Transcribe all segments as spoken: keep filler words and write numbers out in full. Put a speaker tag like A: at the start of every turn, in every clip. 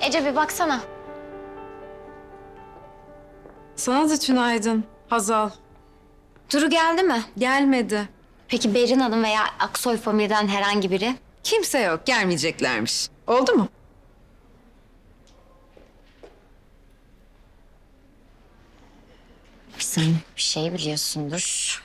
A: Ece bir baksana.
B: Sana da tünaydın Hazal.
A: Duru geldi mi?
B: Gelmedi.
A: Peki Berin Hanım veya Aksoy Family'den herhangi biri?
B: Kimse yok, gelmeyeceklermiş. Oldu mu?
A: Sen bir şey biliyorsundur.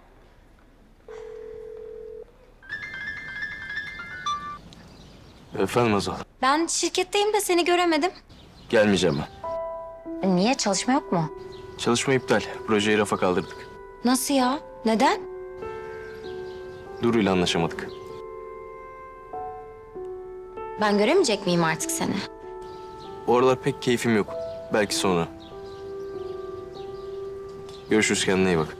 C: Efendim Azal.
A: Ben şirketteyim de seni göremedim.
C: Gelmeyeceğim ben.
A: Niye? Çalışma yok mu?
C: Çalışma iptal. Projeyi rafa kaldırdık.
A: Nasıl ya? Neden?
C: Duru ile anlaşamadık.
A: Ben göremeyecek miyim artık seni?
C: O aralar pek keyfim yok. Belki sonra. Görüşürüz, kendine iyi bak.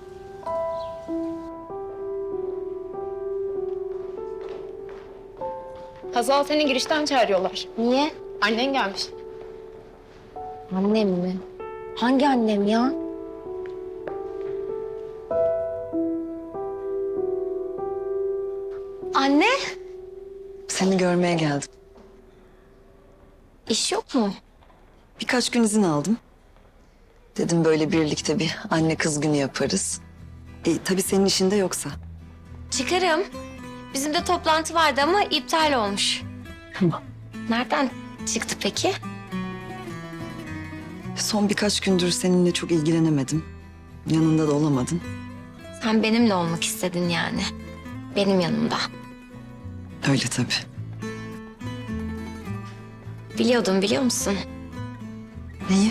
D: Hazal seni girişten çağırıyorlar.
A: Niye?
D: Annen gelmiş.
A: Annem mi? Hangi annem ya? Anne,
E: Seni görmeye geldim.
A: iş yok mu?
E: Birkaç gün izin aldım. Dedim böyle birlikte bir anne kız günü yaparız. E, tabii senin işinde yoksa.
A: Çıkarım. Bizim de toplantı vardı ama iptal olmuş.
E: Tamam.
A: Nereden çıktı peki?
E: Son birkaç gündür seninle çok ilgilenemedim. Yanında da olamadım.
A: Sen benimle olmak istedin yani. Benim yanımda.
E: Öyle tabii.
A: Biliyordum, biliyor musun?
E: Neyi?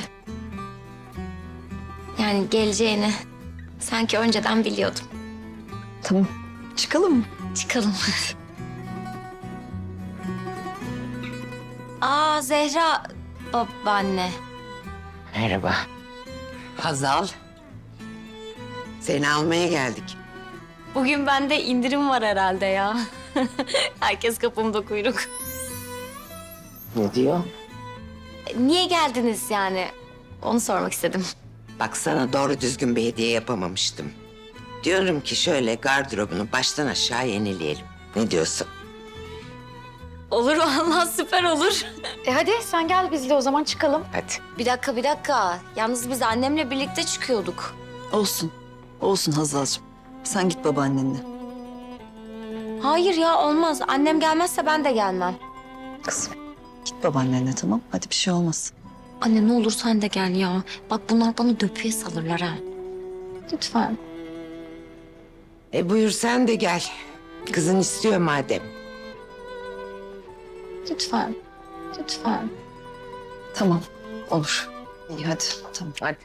A: Yani geleceğini sanki önceden biliyordum.
E: Tamam. Çıkalım mı?
A: Çıkalım hadi. Aa Zehra babaanne.
F: Merhaba. Hazal. Seni almaya geldik.
A: Bugün bende indirim var herhalde ya. Herkes kapımda kuyruk.
F: Ne diyor?
A: Niye geldiniz yani? Onu sormak istedim.
F: Bak sana doğru düzgün bir hediye yapamamıştım. Diyorum ki şöyle gardırobunu baştan aşağı yenileyelim. Ne diyorsun?
A: Olur vallahi süper olur.
D: E hadi sen gel bizle o zaman çıkalım.
F: Hadi.
A: Bir dakika bir dakika. Yalnız biz annemle birlikte çıkıyorduk.
E: Olsun. Olsun Hazal'cığım. Sen git babaannenle.
A: Hayır ya olmaz. Annem gelmezse ben de gelmem.
E: Kızım git babaannenle, tamam. Hadi bir şey olmaz.
A: Anne ne olur sen de gel ya. Bak bunlar bana döpüye salırlar ha. Lütfen.
F: E buyur sen de gel. Kızın istiyor madem.
A: Lütfen. Lütfen.
E: Tamam. Olur. İyi hadi. Tamam.
F: Hadi.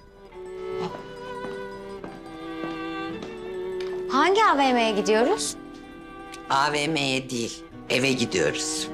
A: Hangi A V M'ye gidiyoruz?
F: A V M'ye değil, eve gidiyoruz.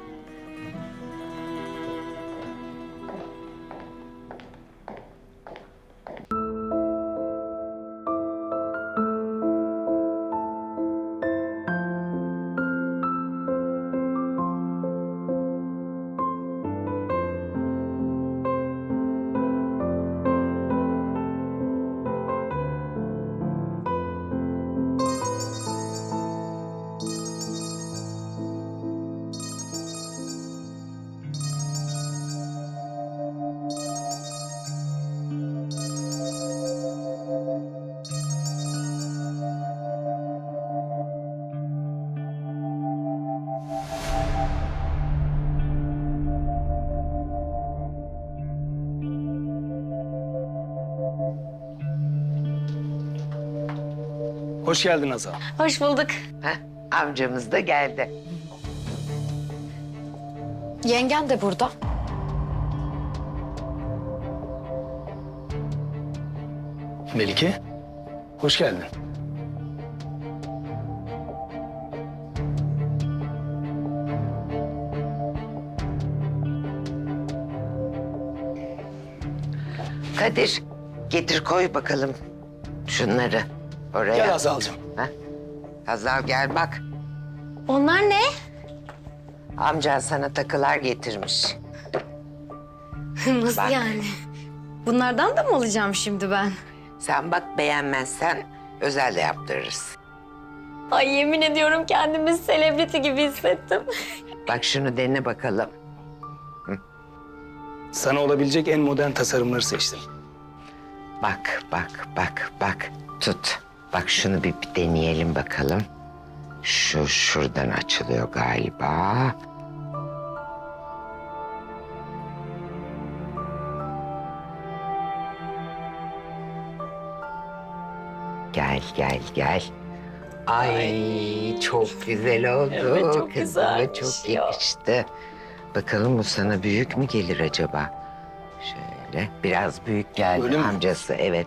G: Hoş geldin Azal.
A: Hoş bulduk.
F: Heh, amcamız da geldi.
D: Yengen de burada.
G: Melike, hoş geldin.
F: Kadir, getir koy bakalım şunları oraya.
G: Gel Azal'cığım.
F: Heh. Hazal gel bak.
A: Onlar ne?
F: Amcan sana takılar getirmiş.
A: Nasıl
F: Bak.
A: yani? Bunlardan da mı alacağım şimdi ben?
F: Sen bak beğenmezsen özel de yaptırırız.
A: Ay yemin ediyorum kendimi selebriti gibi hissettim.
F: Bak şunu dene bakalım. Hı.
G: Sana olabilecek en modern tasarımları seçtim.
F: Bak, bak, bak, bak. Tut. Bak şunu bir, bir deneyelim bakalım. Şu şuradan açılıyor galiba. Gel, gel, gel. Ay, çok güzel oldu.
A: Evet, çok
F: Kızıma
A: güzelmiş
F: çok
A: ya.
F: yakıştı. Bakalım bu sana büyük mü gelir acaba? Şöyle biraz büyük geldi
G: Öyle mi?
F: amcası, evet.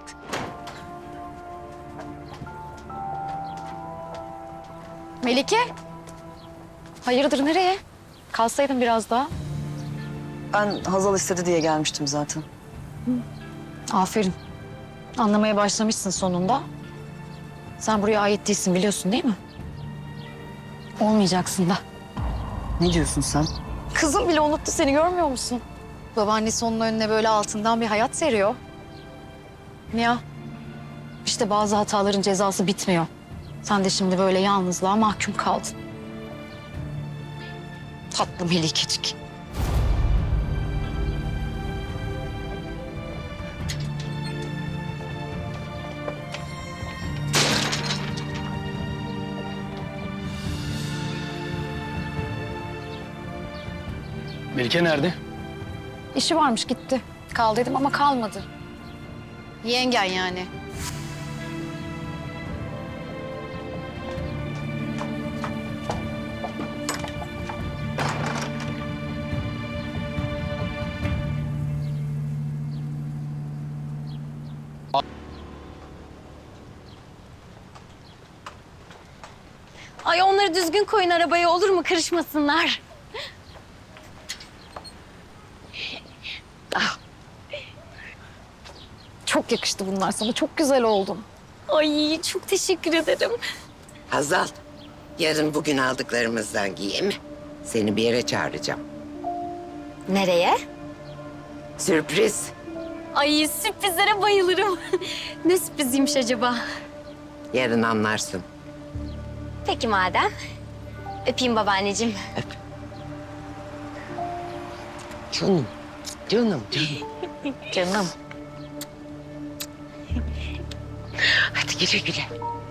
D: Melike. Hayırdır nereye? Kalsaydın biraz daha.
E: Ben Hazal istedi diye gelmiştim zaten.
D: Aferin. Anlamaya başlamışsın sonunda. Sen buraya ait değilsin biliyorsun değil mi? Olmayacaksın da.
E: Ne diyorsun sen?
D: Kızım bile unuttu seni görmüyor musun? Babaannesi onun önüne böyle altından bir hayat seriyor. Ya işte bazı hataların cezası bitmiyor. Sen de şimdi böyle yalnızlığa mahkum kaldın. Tatlı Melikecik.
G: Melike nerede?
D: İşi varmış gitti. Kal dedim ama kalmadı. Yengen yani.
A: Ay onları düzgün koyun arabaya olur mu? Kırışmasınlar.
D: Çok yakıştı bunlar sana. Çok güzel oldun.
A: Ay çok teşekkür ederim.
F: Hazal, yarın bugün aldıklarımızdan giy mi? Seni bir yere çağıracağım.
A: Nereye?
F: Sürpriz.
A: Ay sürprizlere bayılırım. Ne sürpriziymiş acaba?
F: Yarın anlarsın.
A: Peki madem. Öpeyim babaanneciğim.
F: Canım, canım, canım.
D: Canım.
F: Hadi güle güle.